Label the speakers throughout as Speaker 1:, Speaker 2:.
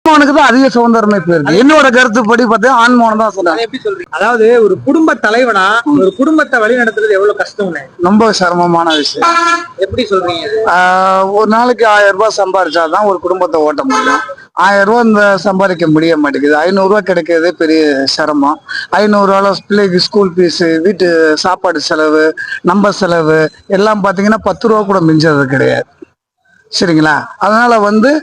Speaker 1: ஆண்மகனுக்கு தான் அதிக சுதந்திரமே போயிருக்கு. என்னோட கருத்துப்படி பார்த்தா ஆண்மகன் தான் சொல்றேன்.
Speaker 2: எப்படி சொல்றீங்க? அதாவது ஒரு குடும்ப தலைவனா ஒரு குடும்பத்தை வழி நடத்துறது எவ்வளவு கஷ்டம்னு
Speaker 1: ரொம்ப சிரமமான விஷயம்.
Speaker 2: எப்படி சொல்றீங்க?
Speaker 1: ஒரு நாளைக்கு 1000 ரூபாய் சம்பாதிச்சாதான் ஒரு குடும்பத்தை ஓட்ட முடியும். 1000 ரூபாய் இந்த சம்பாதிக்க முடிய மாட்டேங்குது. 500 ரூபாய் கிடைக்கிறதே பெரிய சிரமம். 500 ரூபாய் பிள்ளைக்கு ஸ்கூல் ஃபீஸ், வீட்டு சாப்பாடு செலவு, நம்ம செலவு எல்லாம் பாத்தீங்கன்னா 10 ரூபா கூட மிஞ்சது கிடையாது. சரிங்களா? அதனால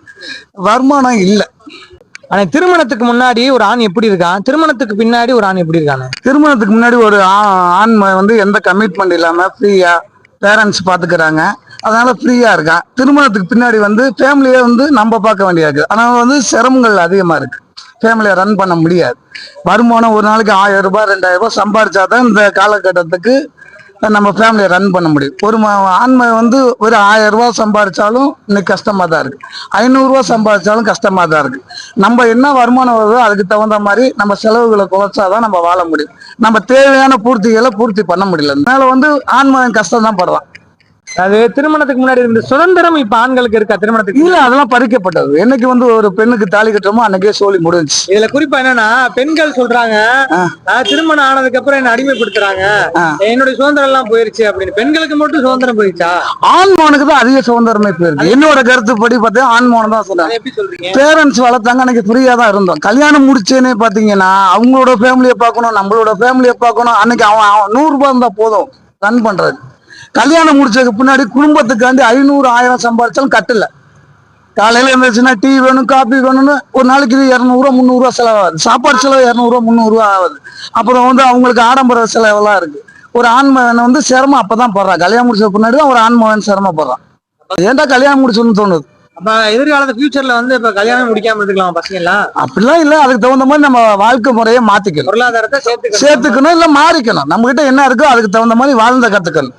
Speaker 1: வருமானம் இல்லை.
Speaker 2: ஆனா திருமணத்துக்கு முன்னாடி ஒரு ஆண் எப்படி இருக்கான், திருமணத்துக்கு பின்னாடி ஒரு ஆண் எப்படி இருக்கானு?
Speaker 1: திருமணத்துக்கு முன்னாடி ஒரு ஆண் எந்த கமிட்மெண்ட் இல்லாம ஃப்ரீயா பேரண்ட்ஸ் பாத்துக்கிறாங்க. அதனால ஃப்ரீயா இருக்கான். திருமணத்துக்கு பின்னாடி ஃபேமிலியே நம்ம பார்க்க வேண்டியது. ஆனால் சிரமங்கள் அதிகமா இருக்கு. ஃபேமிலியை ரன் பண்ண முடியாது. வருமானம் ஒரு நாளைக்கு 1000 ரூபாய் 2000 ரூபாய் சம்பாதிச்சாதான் இந்த காலகட்டத்துக்கு நம்ம ஃபேமிலியை ரன் பண்ண முடியும். ஒரு ஆண்மை ஒரு 1000 ரூபாய் சம்பாதிச்சாலும் இன்னைக்கு கஷ்டமா தான் இருக்கு. 500 ரூபாய் சம்பாதிச்சாலும் கஷ்டமா தான் இருக்கு. நம்ம என்ன வருமானம் வருதோ அதுக்கு தகுந்த மாதிரி நம்ம செலவுகளை குறைச்சாதான் நம்ம வாழ முடியும். நம்ம தேவையான பூர்த்திகளை பூர்த்தி பண்ண முடியல. அதனால ஆண்மகன் கஷ்டம் தான் படுறான்.
Speaker 2: அது திருமணத்துக்கு முன்னாடி இருந்த சுதந்திரம் இப்ப ஆண்களுக்கு இருக்கா? திருமணத்துக்கு
Speaker 1: இல்ல, அதெல்லாம் பறிக்கப்பட்டது. என்னைக்கு ஒரு பெண்ணுக்கு தாலி கட்டுறோமோ அன்னைக்கே சோழி முடிஞ்சு.
Speaker 2: இதுல குறிப்பா என்னன்னா, பெண்கள் சொல்றாங்க திருமணம் ஆனதுக்கு அப்புறம் என்ன அடிமைப்படுத்துறாங்க, என்னுடைய சுதந்திரம் எல்லாம் போயிருச்சு அப்படின்னு. பெண்களுக்கு மட்டும் சுதந்திரம் போயிருச்சா?
Speaker 1: ஆண்மகனுக்கு தான் அதிக சுதந்திரமே போயிருக்கு. என்னோட கருத்துப்படி பார்த்தா ஆண்மகன் தான் சொல்றேன்.
Speaker 2: எப்படி சொல்றீங்க?
Speaker 1: பேரண்ட்ஸ் வளர்த்தாங்க, அன்னைக்கு ஃப்ரீயா தான் இருந்தோம். கல்யாணம் முடிச்சேன்னே பாத்தீங்கன்னா அவங்களோட ஃபேமிலியை பார்க்கணும், நம்மளோட ஃபேமிலியை பார்க்கணும். அன்னைக்கு அவன் 100 ரூபாய் இருந்தா போதும் ரன் பண்றது. கல்யாணம் முடிச்சதுக்கு பின்னாடி குடும்பத்துக்காண்டி 500 1000 சம்பாதிச்சாலும் கட்டல. காலையில இருந்துச்சுன்னா டீ வேணும், காபி வேணும்னு ஒரு நாளைக்கு 200 ரூபா 300 ரூபா செலவாகுது. சாப்பாடு செலவு 200 ரூபா 300 ரூபா ஆகுது. அப்புறம் அவங்களுக்கு ஆடம்பர செலவெல்லாம் இருக்கு. ஒரு ஆண்மகன் சிரமம் அப்பதான் போடுறான். கல்யாணம் முடிச்ச பின்னாடி தான் ஒரு ஆண்மகன் சிரமப்படுறான். ஏன்டா கல்யாணம் முடிச்சுன்னு தோணுது.
Speaker 2: அப்ப எதிர்காலத்து ஃபியூச்சர்ல இப்ப கல்யாணம் முடிக்காம இருக்கலாம் பசங்க எல்லாம்?
Speaker 1: அப்படிலாம் இல்ல. அதுக்கு தகுந்த மாதிரி நம்ம வாழ்க்கை முறையை மாத்திக்கணும்,
Speaker 2: பொருளாதாரத்தை
Speaker 1: சேர்த்துக்கணும், இல்ல மாறிக்கணும். நம்ம கிட்ட என்ன இருக்கோ அதுக்கு தகுந்த மாதிரி வாழ்ந்த கத்துக்கணும்.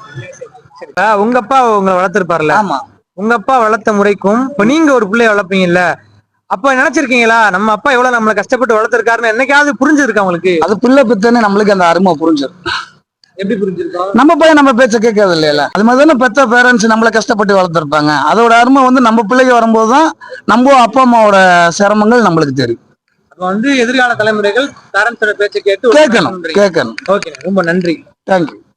Speaker 2: உங்க அப்பா உங்களை வளர்த்திருப்பாருல்ல?
Speaker 1: ஆமா.
Speaker 2: உங்க அப்பா வளர்த்த முறைக்கும் இப்ப நீங்க ஒரு பிள்ளைய வளர்ப்பீங்கல்ல, அப்ப நினைச்சிருக்கீங்களா நம்ம அப்பா எவ்வளவு நம்மளை கஷ்டப்பட்டு வளர்த்திருக்காருன்னு என்னைக்காவது புரிஞ்சிருக்கா உங்களுக்கு?
Speaker 1: அது பிள்ளை பித்தனே நம்மளுக்கு அந்த அருமை புரிஞ்சிடும்.
Speaker 2: எப்படி புரிஞ்சிருக்கோம்?
Speaker 1: நம்ம பையன் நம்ம பேச்ச கேட்கறது இல்லையில. அது மாதிரி தானே பெத்த பேரண்ட்ஸ் நம்மளை கஷ்டப்பட்டு வளர்த்துருப்பாங்க. அதோட அருமை நம்ம பிள்ளைக்கு வரும்போதுதான் நம்ம அப்பா அம்மாவோட சிரமங்கள் நம்மளுக்கு தெரியும்.
Speaker 2: அப்ப எதிர்கால தலைமுறைகள் பேரண்ட்ஸோட பேச்சை கேட்டு
Speaker 1: கேட்கணும்.
Speaker 2: ஓகே, ரொம்ப நன்றி.
Speaker 1: தேங்க்யூ.